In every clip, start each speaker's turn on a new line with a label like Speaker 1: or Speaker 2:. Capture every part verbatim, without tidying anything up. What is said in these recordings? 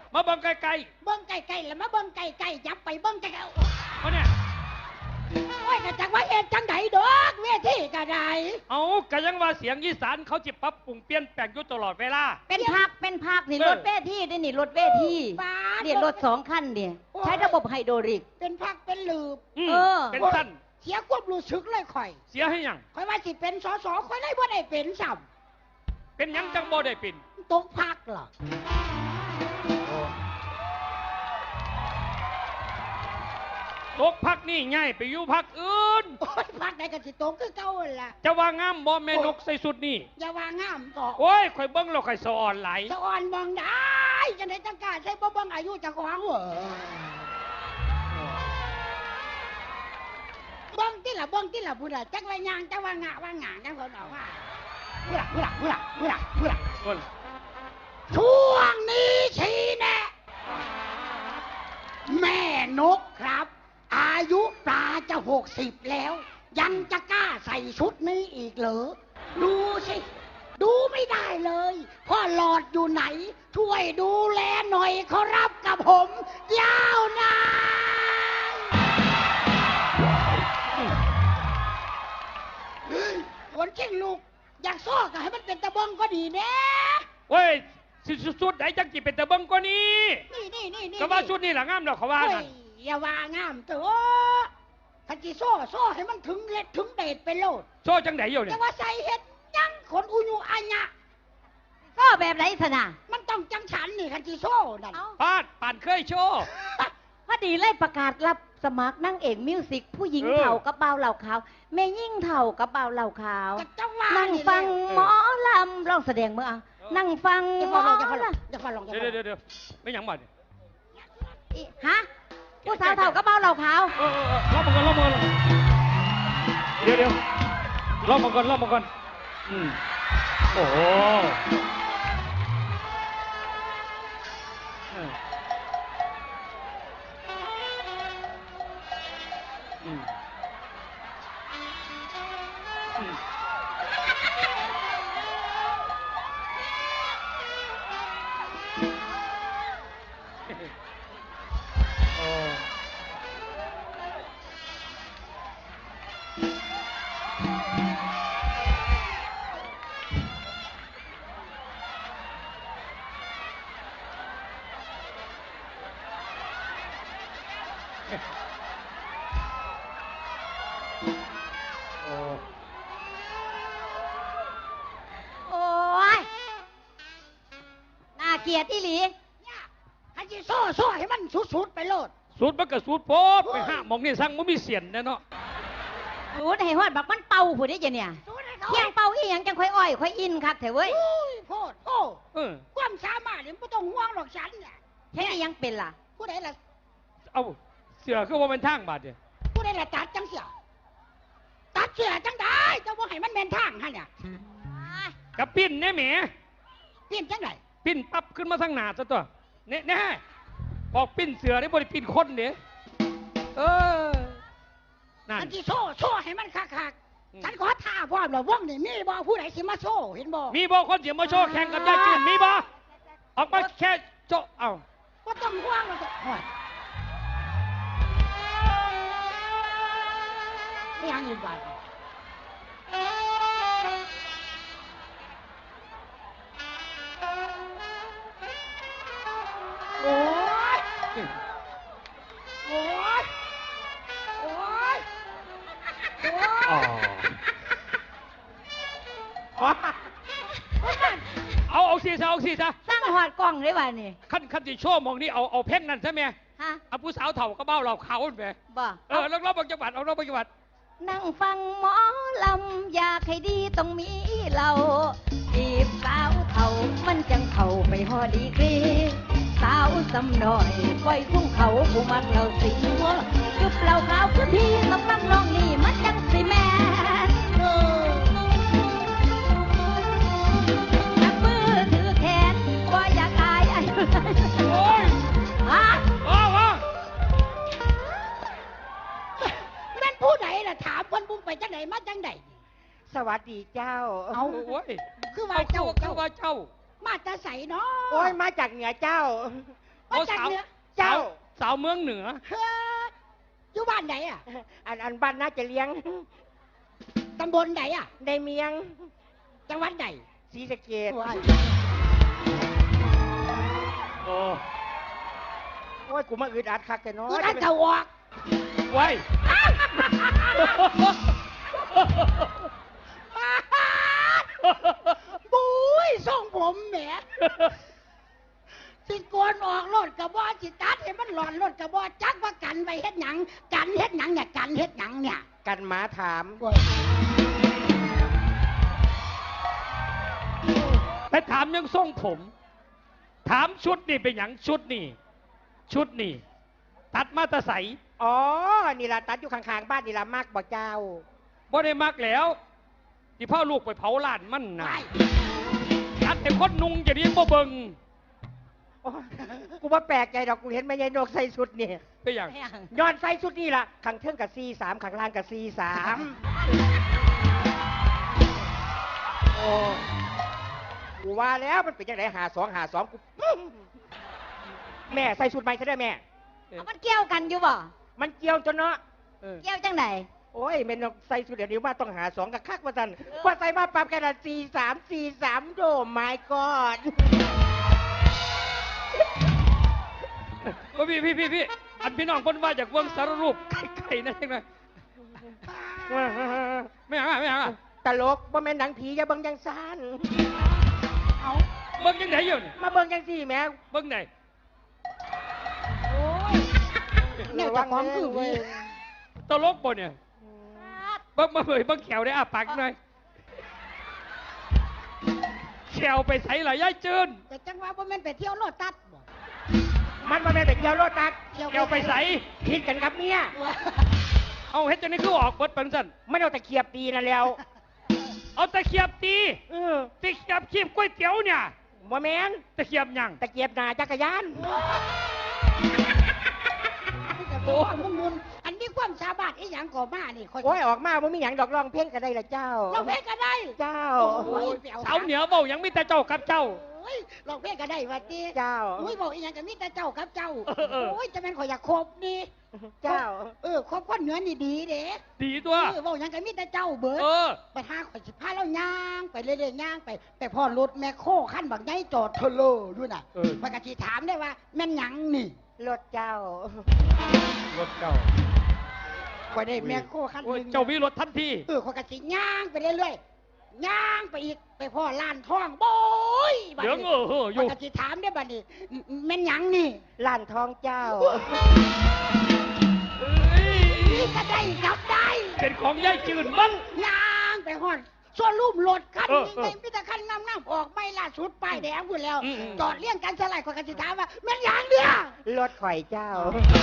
Speaker 1: มาเบิ่งไกล
Speaker 2: ๆเบิ่งไกลๆแล้วมาเบิ่งไกลๆยับไปเบิ่งไกลๆ
Speaker 1: เขาเนี่ย
Speaker 2: โอ้ยก็จักว่าเอ็ดจังไดดอกเวทีก็ได้
Speaker 1: เอาก็ยังว่าเสียงอีสานเขาจิปรับปรุงเปลี่ยนแปลงอยู่ตลอดเวลา
Speaker 3: เป็นภาคเป็นภาคนี่รถเวทีได้นี่รถเวทีเนี่ยรถสองคันเนี่ยใช้ระบบไฮโดรลิก
Speaker 2: เป็นภาคเป็นลืบ
Speaker 1: เออเป็นสั้น
Speaker 2: เสียความรู้สึกเลยข่อย
Speaker 1: เสียให้ยัง
Speaker 2: ข่อยว่าสิเป็นสสข่อยได้บ่ได้เป็นซ้
Speaker 1: ำเป็นยังจังบ่ได้เป็น
Speaker 2: ตกภาคเหรอ
Speaker 1: ตกพักนี่ง่ายไปอยู่พักอื่น
Speaker 2: โอ้ยพักไหนกันสิตกคือเก่าล่ะ
Speaker 1: จะว่างามบ่แม่นกใส่สุดนี่
Speaker 2: อย่าว่างามต่อ
Speaker 1: โอ้ยข่อยเบิ่งแล้วข่อยสะอ่อนไหล
Speaker 2: สะอ่อนมองได้จังได๋จังกล้าใส่บ่เบิ่งอายุเจ้าของเหรอเบิ่งติล่ะเบิ่งติล่ะพุ่นล่ะจักว่ายางจักว่างะว่างะจังเพิ่นบอกว่าพุ่นล่ะพุ่นล่ะพุ่นล่ะพุ่นล่ะพุ่นล่ะพุ่นช่วงนี้ชี้แนะแม่นกครับอายุปลาจะหกสิบแล้วยังจะกล้าใส่ชุดนี้อีกเหรอดูสิดูไม่ได้เลยพ่อหลอดอยู่ไหนช่วยดูแลหน่อยขอรับกับผมยาวนานคนเก่งลูกอยากซ้อก็ให้มันเป็นตะบงก็ดีแน่
Speaker 1: เว้ยสุดๆไหนจังจิเป็นตะบงก็นี้
Speaker 2: นี่นี่นี่นี่
Speaker 1: ก็ว่าชุดนี่แหละงามดอกเขาว่านั่น
Speaker 2: อย่าว่างามเถอะขันจีโซ่โซ่ให้มันถึงเล็ดถึงเดชไปโลด
Speaker 1: โซ่จังไหนอยู่เนี่ย
Speaker 2: แต่ว่าใส่เห็ดยังขนอุญุอัญญะ
Speaker 3: โซ่แบบไหนสนะ
Speaker 2: มันต้องจังฉันนี่ขันจีโซ่นั่น
Speaker 1: ปาดป่านเคยโชว์
Speaker 3: พอดีเลยประกาศรับสมัครนั่งเอกมิวสิกผู้หญิงเถ่ากับเบาเหล่าขาวแม่ยิ่งเถ่ากับเบาเหล่าขาวนั่งฟังหมอลำลองแสดงเมื่อเอานั่งฟังหมอลำ
Speaker 2: อย่าฟังลอง
Speaker 1: เดี๋ยวเดี๋ยวเดี๋ยวไม่ยังบ่น
Speaker 3: ฮะผู้สาวเถ่ากับเบาเหล่าขาว
Speaker 1: เออรอบมาก่อนรอบมาก่อนเดี๋ยวเดี๋ยวรอบมาก่อนรอบมาก่อนอืมโอ้โหอืมอืมโอ้
Speaker 3: เกียรติอีหลี
Speaker 2: ให้จีโซ่โซ่ให้มันสุดๆไปโลด
Speaker 1: สุดมันก็สุดโป๊บไปห้ามองนี่สั่งมันมีเสียนแน่เนาะ
Speaker 3: สุดให้ฮอดบักมันเป่าผู้ได้ยังเนี่ยเที่ยงเป่าอีหยังจังค่อยอ้อยค่อยอินครับเถอะเว้ย
Speaker 2: โพดโอ้ความสามารถนี่ไม่ต้องห่วงหรอกฉันเนี่ย
Speaker 3: แค่ยังเป็นล่ะ
Speaker 2: ผู้ใดล่ะ
Speaker 1: เอาเสือคือว่าเป็นทางบาดเนี่ย
Speaker 2: ผู้ใดล่ะตัดจังเสือตัดเสือจังได้จะว่าให้มันเป็นทางฮะเนี่ย
Speaker 1: กับปิ้นเนี่ยแหม
Speaker 2: ปิ้นจังได
Speaker 1: ปิ้นปั๊บขึ้นมาทางหน้าซะตัวเนี่ยแน่บอกปิ้นเสือได้บริปิ้นคนเนี่ยเออ
Speaker 2: นั่นที่โซ่โซ่ให้มันคักๆฉันขอท่าพร้อมแล้วว่องนี่มีบ่ผู้ใดสิมาโซ่เห็นบ่
Speaker 1: มีบ่คนเสียมาโชว์แข่งกับยายจืนมีบ่ออกมาแค่โจ๊ะเอา
Speaker 2: ก็ต้องห่วงแล้วจะไม่ยังอีกบ่โอ้ยโอ้ยโอ้ยโอ้ย
Speaker 1: เอาเอาสีซะเอาสีซะ
Speaker 3: สร้างหอดกล้องได้ป่ะนี่
Speaker 1: ขั้นขั้นที่โชว์มองนี่เอาเอาเพ่งนั่นใช่ไหม
Speaker 3: ฮะ
Speaker 1: เอาผู้สาวเถ่าก็เบ้าเราเขาไป
Speaker 3: บ่
Speaker 1: เออแล้วรอบบางจังหวัดเอารอบบางจังหวัด
Speaker 3: นั่งฟังหมอลำอยากให้ดีต้องมีเราจีบสาวเถ่ามันจังเข่าไปหอดีกรีสาวสำหน่อยปล่อยคุ้งเขาผู้มักเราสิหัวจุบเราขาวพื้นที่ต้องมักน้องนี่มันจังสิแม่จับมือถือแขนว่าอยากอายอะไร
Speaker 1: โอ้ย
Speaker 3: ฮะ
Speaker 1: โอ้โห
Speaker 2: แม่นผู้ใดล่ะถามคนบุ้งไปจังไหนมาจังไหน
Speaker 4: สวัสดีเจ้า
Speaker 1: เอาโอ้ย
Speaker 2: คือว่าเจ้า
Speaker 1: คือว่าเจ้า
Speaker 2: มาจะใส่เนาะ
Speaker 4: โอ้ยมาจากเหนือเจ้า
Speaker 2: มาจาก
Speaker 1: สาว
Speaker 2: เหนือ
Speaker 4: เจ้า
Speaker 1: สาวเมืองเหนือ
Speaker 2: เฮ้ออยู่บ้านไหนอ่ะ
Speaker 4: อันอันบ้านน่าจะเลี้ยง
Speaker 2: ตำบลไหนอ่ะ
Speaker 4: ในเมียง
Speaker 2: จังหวัดไหน
Speaker 4: ศรีสะเกษ
Speaker 2: ว้าย
Speaker 1: โอ้
Speaker 4: โอ้ยกูมาอึดอัดคักแต่น้อ
Speaker 2: กู
Speaker 4: ย
Speaker 2: ท่านจะออก
Speaker 1: ไว้
Speaker 2: บุ้ยส่งผมแหมสิโกนออกรถกระบอกสิตัดให้มันหลอนรถกระบอกจักว่ากันไปเฮ็ดหยังกันเฮ็ดหยังเนี่ยกันเฮ็ดหยังเนี่ย
Speaker 4: กันหมาถาม
Speaker 1: ไปถามยังทรงผม ถามชุดนี่เป็นหยังชุดนี่ ชุดนี่ ตัดมาแตะใส
Speaker 4: อ๋อ นี่ล่ะตัดอยู่ข้างๆบ้านนี่ล่ะมากบ่เจ้า
Speaker 1: บ่ได้มักแล้ว ที่พ่อลูกไปเผาล้านมันนะ
Speaker 2: ไป
Speaker 1: ตัดแต่คนนุงจะเรียนบ่เบิง
Speaker 4: โอ้ยกูว่าแปลกใจดอกกูเห็นแม่ยายนกใส่ชุดนี่
Speaker 1: เป็นอย่าง
Speaker 4: ย้อนใส่ชุดนี่ล่ะข้างเทิงกับซีสามข้างล่างกับซีสามโอ้กูว่าแล้วมันเป็นยังไงหาสองหาสองกูปุ๊บแม่ใส่ชุดใหม่ใช่ไหมแม่
Speaker 3: เอามันเกี่ยวกันอยู่บ่
Speaker 4: มันเกี่ยวจนเนาะเออ
Speaker 3: เกี่ยวจังไหน
Speaker 4: โอ้ยแม่นกใส่ชุดเดี๋ยวนี้ว่าต้องหาสองกับคักว่าสันว่าใส่มาปรับกันซีสามซีสามโดไม่กอด
Speaker 1: ก็พี่พี่พี่พี่อันพี่น้องคนว่าจากเบิ่งสารรูปไก่ๆนั่นเองนะไม่หาไม่หา
Speaker 4: ตลกว่าแม่นหนังผีอย่าเบิ่งยังซาน
Speaker 2: เอา
Speaker 1: เบิ่งยังไหนอยู่นี่
Speaker 4: มาเบิ่งยังสี่แม่
Speaker 1: เบิ่งไหน
Speaker 2: โอ้ยแนวจะของคือวี
Speaker 1: ตลกบ่เนี่ยเบิ่งมาเบิ่งเบิ่งแขวได้อาปากหน่อยแขวไปใส่หลายย่ายจืน
Speaker 2: แต่จังว่าบ่แม่นไปเที่ยวโลตัสบ่
Speaker 4: มันมาแม่นเป็นเกี่ยวโลตัส
Speaker 1: แขวไปใส่
Speaker 4: ผิดกันครับเนี่ย
Speaker 1: เอาเฮ็ดจังนี้คือออกเบิดปันสั่น
Speaker 4: ไม่เอาแต่เขียบตีนั่นแล้ว
Speaker 1: เอาตะเขียบตี
Speaker 4: เออ
Speaker 1: ตะเขียบขีบก๋วยเตี๋ยวเนี่ย
Speaker 4: บ่แม่น
Speaker 1: ตะเขียบหยัง
Speaker 4: ตะเกียบหน้าจักรยาน
Speaker 2: โอ้มุนมุนอันนี้ความสามารถอีหยังก่อมานี่คอย
Speaker 4: โอ้ยออกมาบ่มีหยังดอกร้องเพลงก็ได้ละเจ้า
Speaker 2: เราเพลงก็ได้
Speaker 4: เจ้า
Speaker 2: โอ้ยไปอ
Speaker 1: เสาเหนือเบายังมีแต่เจ้ากับเจ้า
Speaker 2: โอ้ยเราเพลงก็ได้ว่าติ
Speaker 4: เจ้า
Speaker 2: โอ้ยบอกอีหยังก็มีแต่เจ้ากับเจ้า
Speaker 1: เออเออ
Speaker 2: โอ้ยจะเป็นข่อยอยากคบนี่
Speaker 4: เจ้า
Speaker 2: เออคบคนเหนือนี่ดีเด้
Speaker 1: ดีตัว
Speaker 2: เออบอกอีหยังก็มีแต่เจ้าเบิด
Speaker 1: เออ
Speaker 2: ไปหาข่อยสิพาเราย่างไปเรื่อยๆย่างไปไปพ่อรถแม่โคขั้นบักใหญ่จอดเทอเลอด้วยน่ะ
Speaker 1: เออ
Speaker 2: มันก็สิถามได้ว่าแม่นหยังนี่
Speaker 4: รถเจ้า
Speaker 1: รถเก่า
Speaker 2: ข่อยได้แม่โคขั้นห
Speaker 1: โอ้ย
Speaker 2: นึง
Speaker 1: เจ้ามีรถทันที
Speaker 2: เออข่อยก็สิย่างไปเรื่อยๆย่างไปอีกไปพ่อล้านทองโบยบัด
Speaker 1: เดี๋ยว
Speaker 2: นี้
Speaker 1: เออเอออ
Speaker 2: ข่อย
Speaker 1: ยู่
Speaker 2: ก็สิถามได้บัดนี้แม่นหยังนี่
Speaker 4: ล้านทองเจ้า
Speaker 1: เอ้ย
Speaker 2: นี่ก็ได้จับได้
Speaker 1: เป็นของยายจืดมั้ง
Speaker 2: ย่างไปฮอดส่วนรูปรถคัน
Speaker 1: เออ
Speaker 2: นี้
Speaker 1: เออ
Speaker 2: ไงมีแต่คันงามๆออกไม่ล่าสุดป้ายแดงพุ่นแล้ว
Speaker 1: อืมอืม
Speaker 2: จอดเลี้ยงกันสลายข่อยก็สิถามว่าแม่นหยังเนี่ย
Speaker 4: รถข่อยเจ้า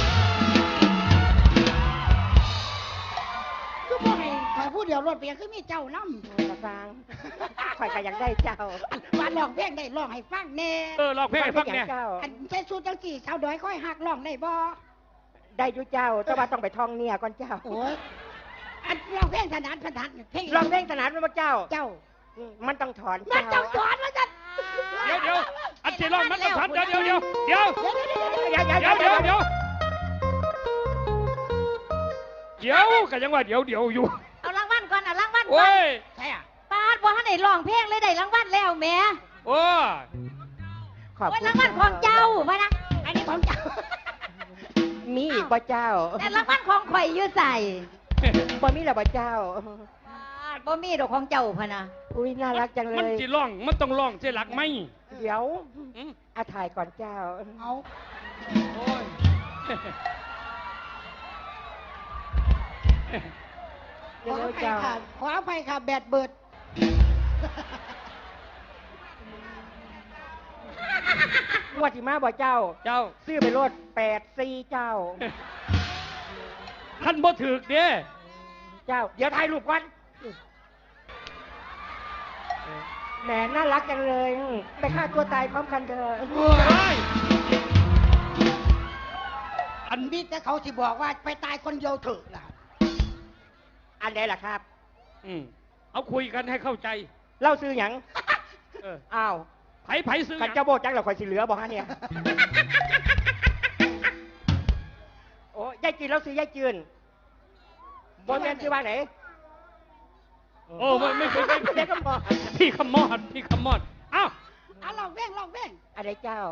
Speaker 2: คือบ่ให้ข่อยผู้เดียวรถเปียคือมีเจ้านำ
Speaker 4: กระซังข่อยก็อยากได้เจ้า
Speaker 2: ว่าร้องเพลงได้ร้องให้ฟังแน่
Speaker 1: เออลองเพลงให้ฟังเนี่ย
Speaker 4: เจ้า
Speaker 2: อันใช้สูตรจังสี่สาวดอยค่อยหักร้องได้บ่
Speaker 4: ได้อยู่เจ้า แต่ว่าต้องไปท่องเนี่ยก่อนเจ้า
Speaker 2: โอ้ยอันร้องเพลงถนัดถนัดเพลง
Speaker 4: ลองเพลงสนานมาเจ้า
Speaker 2: เจ้า
Speaker 4: มันต้องถอน
Speaker 2: มัน
Speaker 4: เจ้า
Speaker 2: ต้องสอนว่าจัน
Speaker 1: เดี๋ยวเดี๋ยวอันที่ร้องมันต้องทันเดี๋ยวเดี๋ยวเดี๋ยวเดี๋ยว
Speaker 2: เดี๋ยวเดี๋ยวเดี๋ยว
Speaker 4: เดี๋ยว
Speaker 1: เดี๋ยวเดี๋ยวเดี๋ยวเดี๋ยวกันยังว่าเดี๋ยวเดี๋ยวอยู่
Speaker 3: เอารางวัลก่อนเอารางวัลก่
Speaker 1: โอ้
Speaker 3: อน
Speaker 1: ย
Speaker 2: ใช่อ่ะ
Speaker 3: ปาดบ่ทันได้ร้องเพลงเลยได้รางวัลแล้วแหม่
Speaker 1: โอ้ย
Speaker 4: ขอบ
Speaker 3: โอ้ย
Speaker 4: คุณ
Speaker 3: รางวัลของเจ้าพะนะ
Speaker 2: อันนี้ของเจ้า
Speaker 4: มีอีกบ่เจ้า
Speaker 3: แต่รางวัลของข่อยอยู่ใส่
Speaker 4: บ่มีแล้วบ่เจ้า
Speaker 3: ปาดบ่มีดอกของเจ้าพะนะ
Speaker 4: อุ้ยน่ารักจังเล
Speaker 1: มัน
Speaker 4: ย
Speaker 1: จีร้องมันต้องร้องเสียหลักไหม
Speaker 4: เดี๋ยว
Speaker 1: อืม
Speaker 4: อาถ่ายก่อนเจ้า
Speaker 2: เอา
Speaker 1: โอ้ย
Speaker 2: ขอ
Speaker 4: เดี๋ยว
Speaker 2: อภัย
Speaker 4: เจ้า
Speaker 2: ค่ะขออภัยค่ะแบตเบิด
Speaker 4: งวดที่มาบ่เจ้า
Speaker 1: เจ้า
Speaker 4: ซื้อไปรถแปดซีเจ้า
Speaker 1: ท่านบ่ถึกเด้
Speaker 4: เจ้า เดี๋ยวถ่ายรูปก่อนแหมน่ารักจังเลยไปฆ่าตัวตายพร้อมกันเถอะ
Speaker 1: เฮ้ยอัน
Speaker 2: มีแต่เขาที่บอกว่าไปตายคนเดียวเถอะล่ะ
Speaker 4: อันไหนล่ะครับ
Speaker 1: อืมเอาคุยกันให้เข้าใจ
Speaker 4: เล่าซื้อหยัง
Speaker 1: เออ
Speaker 4: อ้าว
Speaker 1: ไผไผซื้อห
Speaker 4: ขัน
Speaker 1: ยัง
Speaker 4: เจ้าโบจังเราคอยสิเหลือบอกฮะเนี่ย โอ้ยายจีนเราซื้อยายจืนบนแมนซื้อว่าไหน
Speaker 1: โอ้ไม่ไม่ไม่ไม่
Speaker 4: เด็กก็บอก
Speaker 1: พี่ขมอดพี่ขมอดเอ้า
Speaker 2: เอาลองเว้งลองเว้ง
Speaker 4: อะไรเจ้า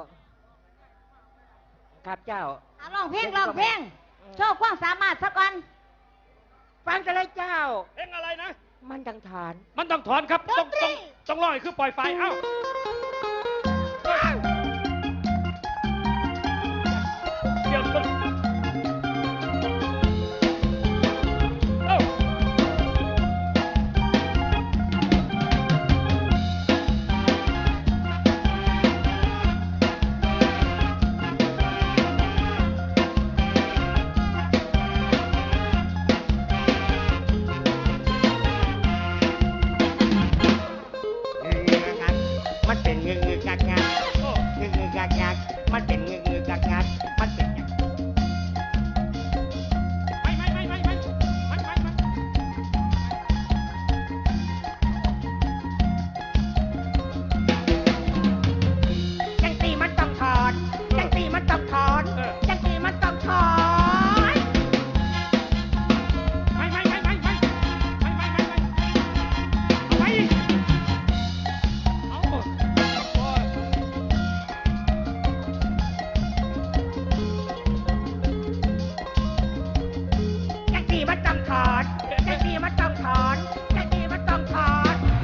Speaker 4: ครับเจ้า
Speaker 3: เอาร้องเพลงร้องเพลงโชว์ความสามารถสักก่อน
Speaker 4: ฟังจะเลยเจ้า
Speaker 1: เพลงอะไรนะ
Speaker 4: มันดังฐาน
Speaker 1: มันต้องถอนครับต้องต้องต้องร้อยคือปล่อยไฟเอ้าเดี๋ยวมันเอ้า
Speaker 4: มันเป็นงึกงึกงักงัก
Speaker 1: โอ้
Speaker 4: งึกงึกงักงักมันเป็นงึกงึกงักงักมันเป็นหยัง
Speaker 1: ไม่ไม่ไม่ไม่ไม่ไม่ไม่ไม่
Speaker 4: จังสีมันต้องถอนจังสีมันต้องถอนจังสีมันต้องถอน
Speaker 1: ไม่ไม่ไม่ไม่ไม่ไม่ไม่ไม่ไม่เอาไปเอาโอ้ย
Speaker 4: จังสีมันต้องถอนจังสีมันต้องถอนจังสีมันต้องถอน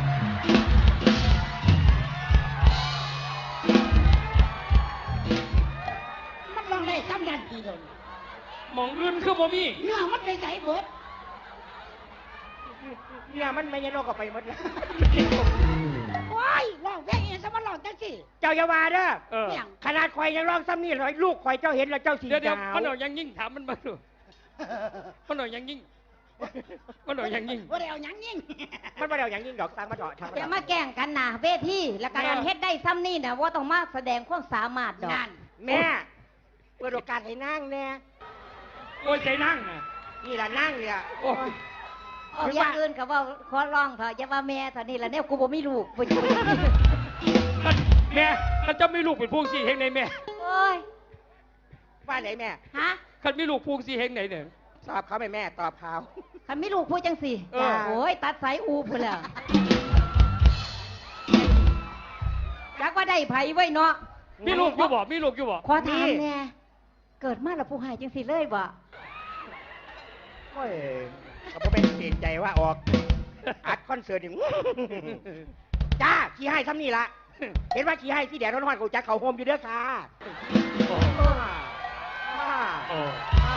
Speaker 2: มันลองได้ซ้ำยันทีเลย
Speaker 1: หมองอื่นคือบ่มี
Speaker 2: เนื้อมันไปใส่เบิด
Speaker 4: เนี่ยมันไม่ยันโลกออกไปหมดแล้ว
Speaker 2: ว้ายลองเว้งเองซะมันลองจังสิ
Speaker 4: เจ้าอย่าว่าเด้อ
Speaker 1: เออ
Speaker 2: เนี่ย
Speaker 4: ขนาดข่อยยังร้องซ้ำนี่เลยลูกข่อยเจ้าเห็นแล้วเจ้าสี
Speaker 1: เดี๋ยวเดี๋ยว
Speaker 4: ดาว
Speaker 1: มันเอายังยิ่งถามมันมาดูมันเอายังยิ่งมันเอายังยิ่ง
Speaker 2: ว่าได้เอาหยังยิ่ง
Speaker 4: มันมาเดี๋ยวอย่างยิ่งดอกตังมาเถอะทำ
Speaker 3: อย่ามาแกล้งกันนะเวทีแล้วก็การเฮ็ดได้ซ้ำนี่นะว่าต้องมาแสดงความสามารถดอก
Speaker 2: นั่น
Speaker 4: แม่เปิดโอกาสให้นั่งแน่
Speaker 1: โอ้ยใจนั่งนะ
Speaker 4: นี่ล่ะนั่งเนี่ย
Speaker 1: โอ้ย
Speaker 3: เอาอย่างอื่นก็ว่าขอร้องเถอะอย่าว่าแม่เท่านี้ละเนี่ยกูบ่มีลูกบ่อยู่
Speaker 1: แม่ถ้าเจะไม่ลูกเป็นพวงสีเฮงไหนแม่
Speaker 3: โอ้ย
Speaker 4: ว่าไหนแม่
Speaker 3: ฮะ
Speaker 1: คันไม่ลูกพวงสีเฮงไหนเนี่ย
Speaker 4: ตอบเขาไหมแม่ตอบเขา
Speaker 3: คันมีลูกพูดจังสิ
Speaker 1: เออ
Speaker 3: โอ้ยตัดสายอูพุ่นแล้วจักว่าได้ไผไว้เนาะ
Speaker 1: มีลูกอยู่บ่มีลูกอยู่บ่
Speaker 3: ขอถามแน่เกิดมาแล้วผู้หายจังสิเลยบ่
Speaker 4: โอ้ยเขาเป็นเกรงใจว่าออกอัดคอนเสิร์ตนี่ จ้าขี้ให้ซ้ำนี่ละเห็นว่าขี้ให้ที่แดดร้อนๆกูจะเขาโฮมอยู่เด้อค่ะ
Speaker 1: โอ้
Speaker 4: อ่า
Speaker 1: โอ้
Speaker 4: อ่า